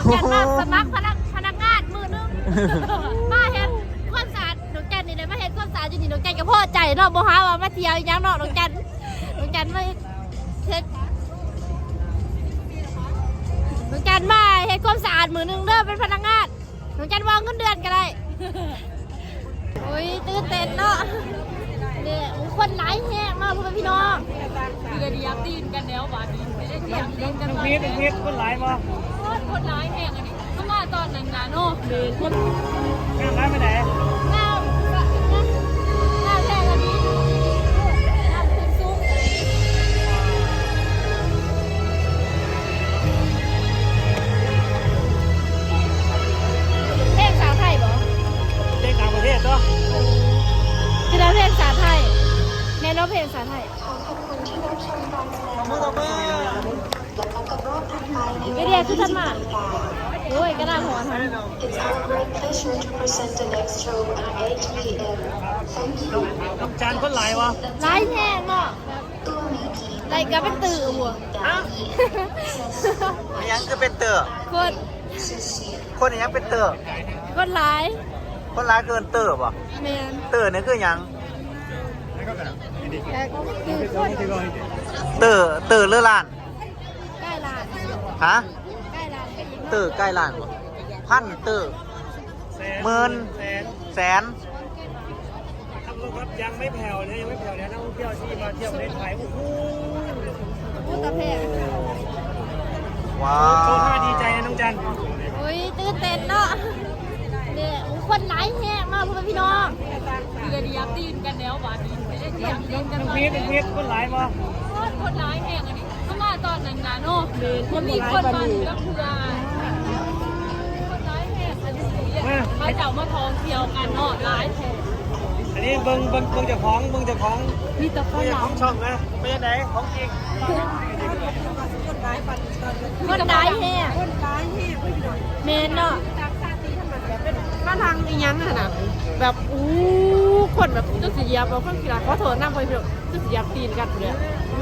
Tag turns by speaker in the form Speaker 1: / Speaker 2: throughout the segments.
Speaker 1: แกนมาสมัครพนักงานมือนึงมาเห็นความสะอาดน้องแกนนี่เลยมาเห็นความสะอาดอยู่นี่น้องแกนก็พอใจเนาะบ่หาว่ามาเที่ยวยังเนาะน้องแกนมาเช็ดน้องแกนมาเห็นความสะอาดมือนึงเด้อเป็นพนักงานน้องแกนวางเงินเดือนก็ได้โอ้ยตื่นเต้นเนาะเนี่ยคนหลายแห้งเนาะพ่อพี่น้องเดี๋ยวยับตีนกันแล้วหวานดีไม่ได้เตียงตีนกันเลย
Speaker 2: พีทคนหลายป่ะ
Speaker 1: คนร้ายแห่งอันนี้ก็มาตอนนั้นนะโน่เดินคน
Speaker 2: งานร้ายไปไหน
Speaker 1: เงาแห่งอันนี้ทำขึ้นซุ้มเพลงสาวไทยบ่
Speaker 2: เพลงต่างประเทศตัว
Speaker 1: คือเพลงสาวไทยแม่น้องเพลงสาวไทย
Speaker 2: มือต่อมือ
Speaker 1: เดียคือท่านมาโอ้ยก็น่าหัวทัน
Speaker 3: It's our great pleasure to present the next show at 8 p.m. Thank you.
Speaker 2: น้ำจานคนหลายวะ
Speaker 1: ร้ายแห้งเนาะไรก็เป็นตื่นหัว
Speaker 4: ยังคือเป็นเตอร์ คนยังเป็นเตอร์
Speaker 1: คนร้าย
Speaker 4: คนร้ายเกินเตอร์ป่ะ
Speaker 1: แมน
Speaker 4: เตอร์นี่คือยัง
Speaker 1: แต่คือคน
Speaker 4: เตอร์เลือล้าน
Speaker 1: ใกล้ลาน
Speaker 4: ฮะ
Speaker 1: ใกล้ลาน
Speaker 4: เตอร์ใกล้ล้านป่ะพันเตอร์หมื่นแสน
Speaker 2: ครับลูกครับยังไม่แผ่วนะยังไม่แผ่วนะนักท่องเที่ยวที่มาเที่ยวประเทศไทยโอ้โห
Speaker 1: พูดตะเพง
Speaker 4: ว้า
Speaker 2: โชว์ท่าดี
Speaker 4: ว
Speaker 2: ใจนะน้องจัน
Speaker 1: อุ้ยตื่นเต้นเนาะเนี่ยคนหลายแห้งเนาะพ่อพี่น้องเดี๋ยวยับตีนกันแล้วหวานดีไม่ได้เตียงตีนกันเลย
Speaker 2: พีทคนหลายป่ะ
Speaker 1: คนร้ายแห่งอันนี้ก็มาตอนนั้นนะโน่มันมีคนมาเพื่อคนร้ายแห่งอันนี้เขาจะมาท้องเที่ยวกันเนาะร้ายแห่ง
Speaker 2: อันนี้เบิ้งเจ้าของ
Speaker 1: มีแต่คนร้าย
Speaker 2: ช่องนะไม่ใช่ไหนของจริง
Speaker 1: คนร้ายแห่งเมนเนาะ
Speaker 5: บ้านทางอีหยังน่ะแบบคนแบบจุดสียบแบบคนกีฬาเขาโถนน้ำไปเพื่อจุดสียบตีนกันเลย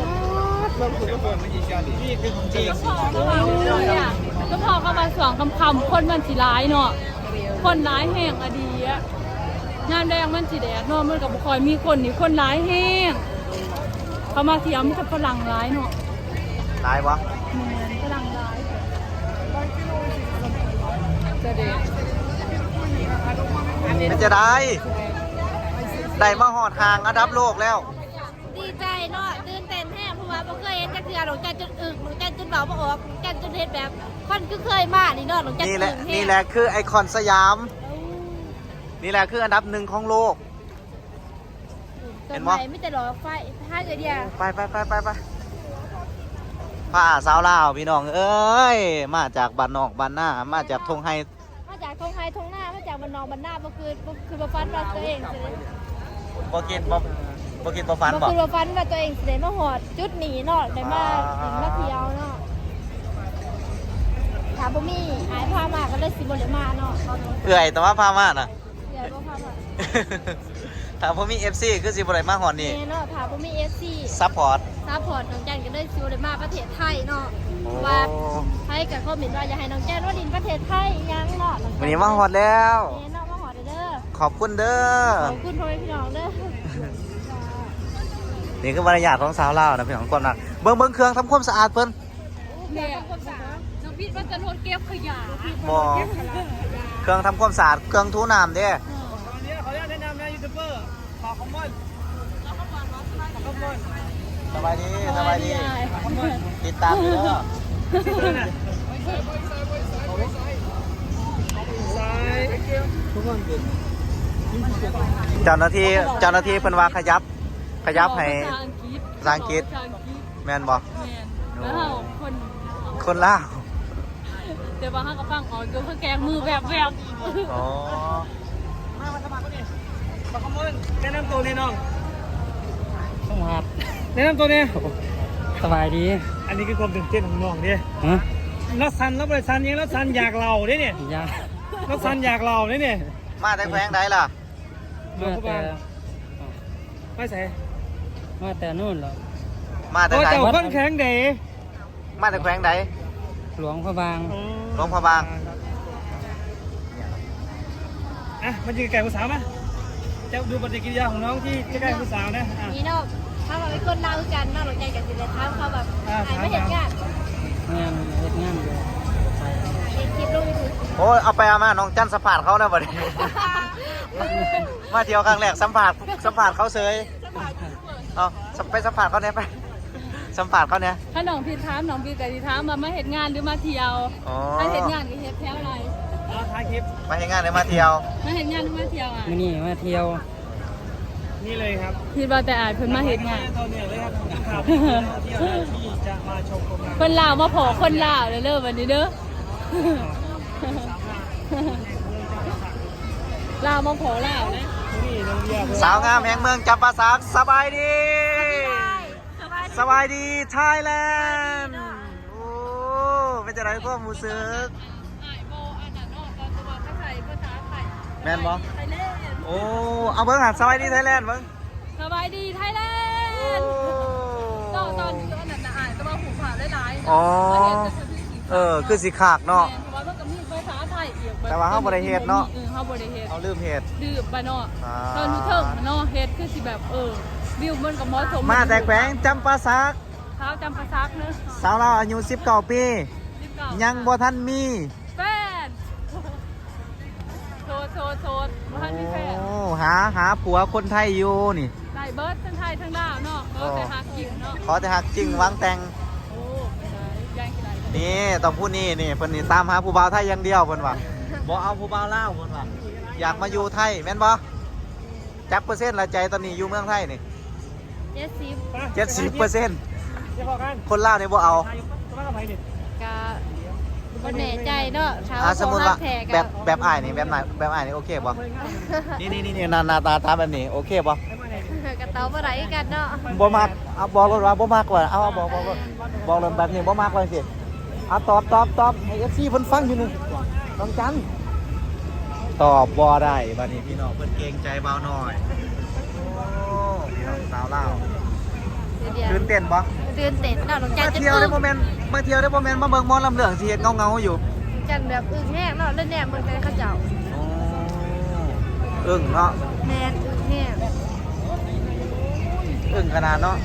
Speaker 2: นี่คือจริง
Speaker 1: ก็พอเข้ามาสองคำคนมันสีร้ายเนาะคนร้ายแห่งอดีอะงานแดงมันสีแดงเนาะมันกับบุคคลมีคนนี่คนร้ายแห่งเขามาเทียมกับฝรั่งร้ายเนาะ
Speaker 4: ร้ายวะ
Speaker 1: ฝรั่งร้าย
Speaker 4: มันจะได้มาหอดทางอันดับโลกแล้ว
Speaker 1: ดีใจเนาะตื่นเต้นแห้งเพราะว่าบ่เคยเห็นจักเทื่อหลงจันจนอึกหลงจันจนเบาบ่ออกหลงจันจนเฮ็ดแบบคนคือเคยมานี่เนาะหลงจัน
Speaker 4: นี่แหละคือไอคอนสยาม นี่แหละคืออันดับหนึ่งของโลก
Speaker 1: เห็นบ่ไม่แต่หรอไฟถ้าเกิดเดียว
Speaker 4: ไปผ้าสาวลาวพี่น้องเอ้ยมาจากบ้านนอกบ้านหน้ามาจากทงไฮ
Speaker 1: มาจากทงไฮทงหน้ามาจากบ้านนอกบ้านหน้าบ่คือบ่ฟันว่าตัวเองสิ
Speaker 4: บ่กินบ่ฟันบ่
Speaker 1: คือบ่ฟันว่าตัวเองสิได้มาฮอดจุดนี้เนาะได้มาเที่ยวเนาะถามบ่มีหายพามาก็เลยสิบ่ได้มาเนาะ
Speaker 4: เอื่อยแต่ว่าพามาน่ะ
Speaker 1: เดี๋ยวบ่พามา
Speaker 4: ถ้าบ่มี FC คือสิบ่ได้มาฮอดนี่
Speaker 1: เนาะถามบ่มี FC
Speaker 4: ซัพพอร์ต
Speaker 1: ซัพพอร์ตน้องแจ้นก็เลยสิบ่ได้มาประเทศไทยเนาะว่าให้กับคอมเมนต์ว่าอยากให้น้องแจ้นว่าดินประเทศไทยยังเนาะ
Speaker 4: วันนี้มาฮอดแล้ว
Speaker 1: เนาะมาฮอดเด้อ
Speaker 4: ขอบคุณเด้อ
Speaker 1: ขอบคุณพ่อแม่พี่น้องเด้อ
Speaker 4: นี่คือมารยาทของสาวลาวนะพี่น้องความรักเบิ่งเครื่องทำความสะอาดเพิ่น
Speaker 1: เนี่ยน้องพี่ว่าจะโทษเก็บขยะ
Speaker 4: บ่เครื่องทำความสะอาดเครื่องทูน้ำเด้
Speaker 2: ตอนนี้เขาแนะนำนะยูทูบเบอร์ขอคอมมอน
Speaker 4: สบายดีติดตามอยู่เด้อ เจ้าหน้าที่เพิ่นว่าขยับให้ภาษาอังกฤษแม่นบ่
Speaker 1: แล้ว
Speaker 4: คนลาว
Speaker 1: แต่ว่าเขาก็ฟังออกก็คือแกงมือแบบ
Speaker 4: อ๋อ
Speaker 2: มาสมัครก็นี่ขอคอมมอนแนะนำตัวนี่น้อง
Speaker 6: ต้องหัด
Speaker 2: แนะนำตัวนี่
Speaker 6: สบายดี
Speaker 2: อันนี้คือความตื่นเต้นของน้องดิ
Speaker 6: ฮะ
Speaker 2: รถซันบริษัทยังรถซันอยากเราเนี่ย
Speaker 6: ยาร
Speaker 2: ถซันอยากเราเนี่ย
Speaker 4: มาแต่แขวงใดล่ะ
Speaker 6: มาแต่
Speaker 2: ไม่ใช่
Speaker 6: มาแต่นู่นเหรอ
Speaker 4: มาแต่
Speaker 2: โอ้
Speaker 4: ไหน
Speaker 2: เจ้าคนแข็งเด๋
Speaker 4: มาแต่แขวงใด
Speaker 6: หลวงพระบาง
Speaker 2: อ๋อ
Speaker 4: หลวงพระบาง
Speaker 2: อ่ะมายืนไก่ผู้สาวมาจะดูปฏิกิริยาของน้องที่ใกล้ๆผู้สาวนะอ่ะ
Speaker 1: นี่เนาะถ้าเราเป็นคนลาวกันเนาะน้องจันกับสิเลยถามเขาแบบไม่เห็นงาน
Speaker 6: งานเฮ็ดงานอยู่
Speaker 1: เห็นคลิปลงยูทูบ
Speaker 4: โอ้ยเอาไปเอามาน้องจันสัมผัสเขานะบัดนี้ มาเที่ยวครั้งแรกสัมผัสเขาเฉยเอาไปสัมผัสเขาเนี่ยไปสัมผัสเขาเนี่ย
Speaker 5: ถ้าน้องพี่ถามน้องพี่แต่ที่ถามมาเฮ็ดงานหรือมาเที่ยว
Speaker 4: อ๋อ
Speaker 5: ถ้าเฮ็ดงานก็เฮ็ดแถวอะไร
Speaker 2: เอาถ่ายคลิป
Speaker 4: มาเห็นงานหรือมาเที่ยว
Speaker 5: มาเฮ็ดงานหรือมาเที่ยวอ่ะ
Speaker 6: มื้อนี้มาเที่ยว
Speaker 2: นี่เลยครับ
Speaker 5: คิดว่าแต่อาจเพิ่นมาเฮ็ดงาน
Speaker 2: ตอนนี้เลยครับข่าวที่จะมาชมโครงการ
Speaker 5: คนลาวมาพอคนลาวเด้อวันนี้เด้อลาวมาพอลาวนะ
Speaker 2: นี่น้องเบียร์
Speaker 4: สาวงามแห่งเมืองจำปาสักสบายดี สบายดีไทยแลนด์โอ้เป็นจะไรก็มูซึกแมนบอโอ้เอาเบิ้งหัดสบายดีไทยแลนด์เบิ้ง
Speaker 5: สบายดีไทยแลนด์ตอนอยู่อันนั้นน่ะอ่านก็มาผูกผ่าหลายๆ
Speaker 4: อ๋อคือสีขากเนาะ
Speaker 5: เพราะว่ามันก็มีไฟฟ้าไทยอีก
Speaker 4: แต่ว่าเฮาบ่ได้เฮ็ดเนาะ
Speaker 5: เฮาบ่ได้เฮ็ด
Speaker 4: เอาลืมเห็ด
Speaker 5: ดื่มไปเนาะ
Speaker 4: อ่า
Speaker 5: ตอนอยู่เทิงเนาะเฮ็ดคือสิแบบวิวมันก็เหมาะสม
Speaker 4: มาแต่แขวงจำปาสัก
Speaker 5: เท้าจำปาสักเนอะ
Speaker 4: สาวเราอายุ19 ปี
Speaker 5: 19
Speaker 4: ยังบ่ทันมี
Speaker 5: แฟนโสดบ่ทันมีแฟน
Speaker 4: โอ้หาผัวคนไทยอยู่นี่
Speaker 5: ได้เบิร์ดทั้งไทยทั้งลาวเนาะแต่หากินเนาะ
Speaker 4: ขอแต่หักจริงหวางแต่ง
Speaker 5: โอ้ได้ยังกี่ได้
Speaker 4: นี่ต้องพูดนี่เพิ่นนี่ตามหาผู้บ่าวไทยอย่างเดียวเพิ่นว่าบ่เอาผู้บ่าวลาวเพิ่นว่าอยากมาอยู่ไทยแม่นบ่จักเปอร์เซ็นต์ละใจตอนนี้อยู่เมืองไทยนี่
Speaker 1: 70
Speaker 4: 70%
Speaker 2: จะพอกัน
Speaker 4: คนลาวนี่บ่เอา
Speaker 2: ถ่ายมากับใครเนี่ย
Speaker 1: ก็บ่แน่ใจเนาะถาม
Speaker 4: สมมุติว่า
Speaker 1: แท้ก็
Speaker 4: แบบอ้ายนี่แบบอ้ายนี่โอเคบ่นี่หน้าตาแบบนี้โอเคบ่
Speaker 1: กระเตาบ่ได้กันเนาะ
Speaker 4: บ่มักเอาบอกรถว่าบ่มักว่าเอาบอกรถแบบนี้บ่มักว่าสิเอาตอบให้ FC เพิ่นฟังอยู่นี่น้องจันตอบบ่ได้บัดนี้พี่น้องเพิ่นเกรงใจเบาหน่อยโอ้พี่น้องสาวลาว
Speaker 1: เดี๋ยว
Speaker 4: ตื่นเต้นบ่
Speaker 1: ตื่นเต้นเนาะน้องจัน
Speaker 4: มา
Speaker 1: จะ
Speaker 4: เที่ยวได้บ่แม่นมาเที่ยวได้บ่แม่นมาเบิ่งหมอลำเรื่องสิเฮ็ดเงาๆอยู่
Speaker 1: จันแบบอึ้งแห้งเนาะแล้วแหนมเบิ่งแต่เขาเจ้า
Speaker 4: อ๋ออึ้งเนาะ
Speaker 1: แม่นอึ้งแห้ง
Speaker 4: อึ้งขนาดเนาะ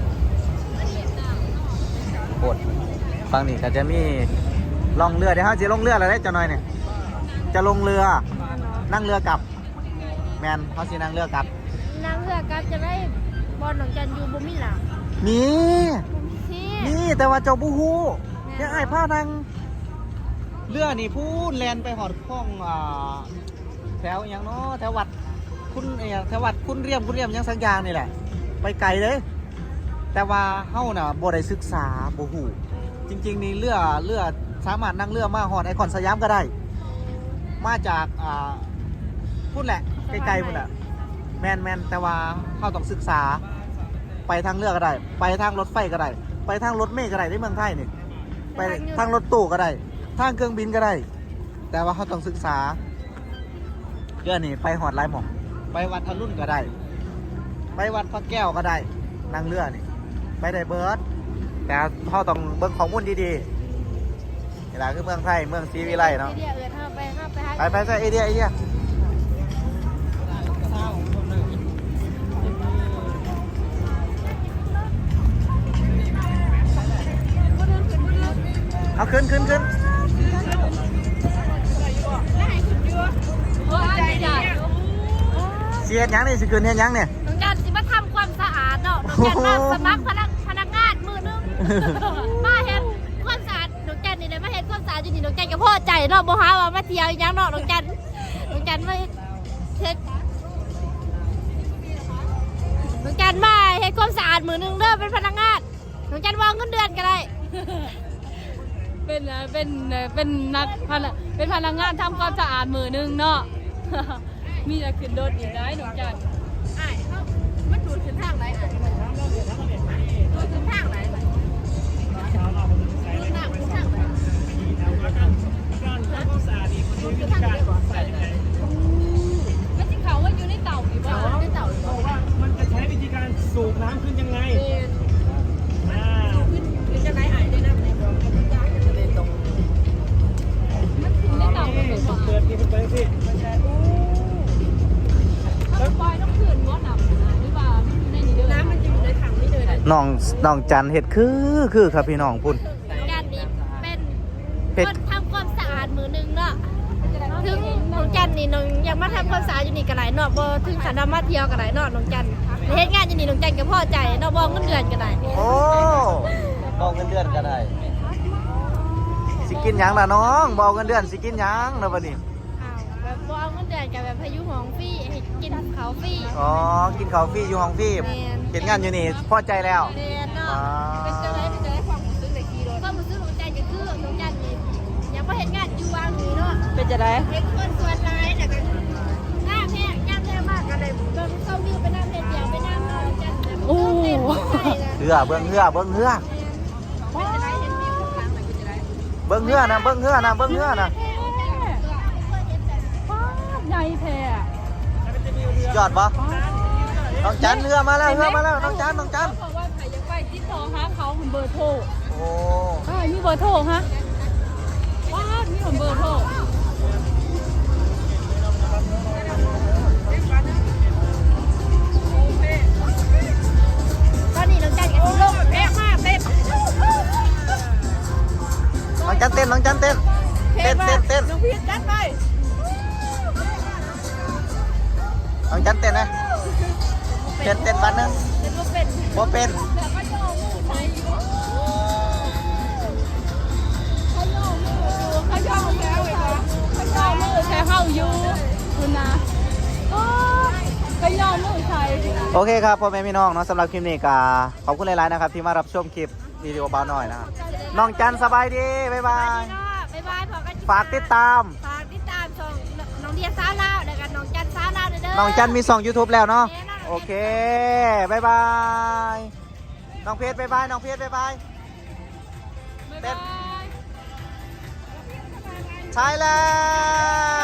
Speaker 4: โคตรฝั่งนี้ก็จะมีล่องเรือเดี๋ยวเฮาสิลงเรือแล้วได้จักหน่อยนี่จะลงเรือนั่งเรือกลับแม่นเฮาสินั่งเรือกลับ
Speaker 1: นางเรือกับจะได้บอลน้องจันอยู่บ่มีหลัง
Speaker 4: มี
Speaker 1: ที่
Speaker 4: นี่แต่ว่าเจ้าบูฮูยังไอ้ผ้าทางเรือนี่พูนแลนไปหอดข้องแถวอย่างเนาะแถววัดคุณแถววัดคุณเรียมยังสักอย่างนี่แหละ ไปไกลเลย แต่ว่าเฮาน่ะบ่ได้ศึกษาบูฮูจริงๆนี่เรือสามารถนั่งเรือมาหอดไอคอนสยามก็ได้ มาจากพูดแหละไกลๆพูดแหละแมนแต่ว่าเฮาต้องศึกษา ไปทางเรือก็ได้ ไปทางรถไฟก็ได้ ไปทางรถเมล์ก็ได้ในเมืองไทยนี่ ไปทางรถตู้ก็ได้ ทางเครื่องบินก็ได้ แต่ว่าเขาต้องศึกษาเรื่องนี้ไปหอดไรหมอกไปวัดอรุณก็ได้ ไปวัดพระแก้วก็ได้นั่งเรือนี่ไปได้เบิร์ดแต่เขาต้องเบิ่งข้อมูลดีๆนี่แหละคือเมืองไทยเมืองศรีวิไลเนาะ
Speaker 1: ไอเดียห้าไปหา
Speaker 4: ไปใส่ไอเดียเอาขึ้น
Speaker 5: โอ้ยใหญ่
Speaker 4: เสียดยังนี่สิขึ้นเฮ็ดยังเนี่ย
Speaker 1: น้องจันสิมาทำความสะอาดเนาะน้องจันมาสมัครพนักงานมือนึงมาเฮ็ดความสะอาดน้องจันนี่เลยมาเฮ็ดความสะอาดอยู่นี่น้องจันก็พอใจเนาะบ่หาว่ามาเที่ยวอีหยังเนาะน้องจันมาเฮ็ดน้องจันมาเฮ็ดความสะอาดมือนึงเด้อเป็นพนักงานน้องจันวางเงินเดือนก็ได้
Speaker 5: เป็นนักเป็นพนักงานทำความสะอาดมือนึงเนาะ มีแต่ขึ้นโดดอีกได้หนูจันมันดูดขึ้นทางไหนดูดขึ้นทางไหนดูดน้ำขึ้นทางไหน
Speaker 2: การทำความสะอาดนี่คนนี้มีการใส่ยังไง
Speaker 5: ไม่จริงเขาว่าอยู่ในเต่าหรือเปล่าในเต่า
Speaker 2: เพราะว่ามันจะใช้วิธีการสูบน้ำขึ้นยังไง
Speaker 5: ขึ้
Speaker 2: อ่า
Speaker 5: นจะไหนหายได้น้ำในบ่อจะเลยตรง
Speaker 4: น้องจันเฮ็ดคือครับพี่น้องพุ่น
Speaker 1: การนี้เป็น
Speaker 4: เฮ็ด
Speaker 1: คนทำความสะอาดมือหนึงเนาะถึงน้องจันนี่น้องยังมาทำความสะอาดอยู่นี่ก็หลายเนาะบ่ถึงขันดามาเที่ยวก็หลายเนาะน้องจันเฮ็ดงานอยู่นี่น้องจันก็พอใจเนาะบ่เงินเดือนก็ได้
Speaker 4: โอ้บอกเงินเดือนก็ได้สิกินหยังล่ะน้องบอกเงินเดือนสิกินหยังเนาะบัดนี้
Speaker 1: อ้าวแบบบ่เอาเงินเดือนกับแบบพายุหองฟรีให้กินเขาวฟรี
Speaker 4: อ๋อกินข้าวฟรีอยู่ห้องฟรี
Speaker 1: แม่น
Speaker 4: เห็นงานอยู่นี่พอใจแล้ว
Speaker 1: เรียนเนาะ
Speaker 4: อ่า
Speaker 1: เป็นจังไดความรู้สึกได้กี่โดนความรู้สึกของใจก็คือน้องจันนี่ยังบ่เฮ็ดงานอยู่วางนี้เนาะ
Speaker 5: เป็นจะได้
Speaker 1: เฮ็ดคนส่วนหลายแต่ก็หน้าแพงย่างแพงมากก็เลยเบิ่งเข้าวิวไปนั่งเฮ็ดเดียวไปนั่งนอนจันแต่บ่เต็มใจนะ
Speaker 4: เรือเบิ่งเรือเบิ่งเรือ
Speaker 1: เป็นจังไดเห็นวิวข้างหลังเป็นจังได
Speaker 4: เบิ่งเรือนะเบิ่งเรือนะเบิ่งเรือนะ
Speaker 5: ใหญ่แท้
Speaker 4: ยอดปะน้องจันเรือมาแล้วเรือมาแล้วน้องจัน
Speaker 5: เพราะว่าใครยังไปติดต่อหาเขาผมเบอร์โทร
Speaker 4: โอ้
Speaker 5: มีเบอร์โทรฮะว้ามีผมเบอร์โทร
Speaker 1: ตอนนี้น้องจันก็สิลงแรงมากเต้น
Speaker 4: น้องจันเต้นน้องจันเต้นเต้น
Speaker 5: น้องพีชจัดไป
Speaker 4: น้องจันเต้นนะเต้นบัดนึง
Speaker 1: เต้นบ่เป็น
Speaker 4: บ่เป็น
Speaker 5: แล้วก็โยมือใช้อยู่ขย่อมือแล้วเหรอขย่อมือใช้เข้าอยู่คุณนะโอ้ขย่อมือใช้
Speaker 4: โอเคครับพ่อแม่พี่น้องเนาะสำหรับคลิปนี้ก็ขอบคุณหลายๆนะครับที่มารับชมคลิปวิดีโอเบาหน่อยนะครับน้องจันสบายดีบ๊ายบาย
Speaker 1: บ๊ายบายพอกัน
Speaker 4: ฝากติดตาม
Speaker 1: ฝากติดตามช่องน้องเดียสาวลาวแล้วก็น้องจันสาวลาวเด้อ
Speaker 4: น้องจันมี2 YouTube แล้วเนาะโอเคบ๊ายบายน้องเพชรบ๊ายบายน้องเพชรบ๊ายบาย
Speaker 5: บ๊ายบาย
Speaker 4: ไทยแลนด์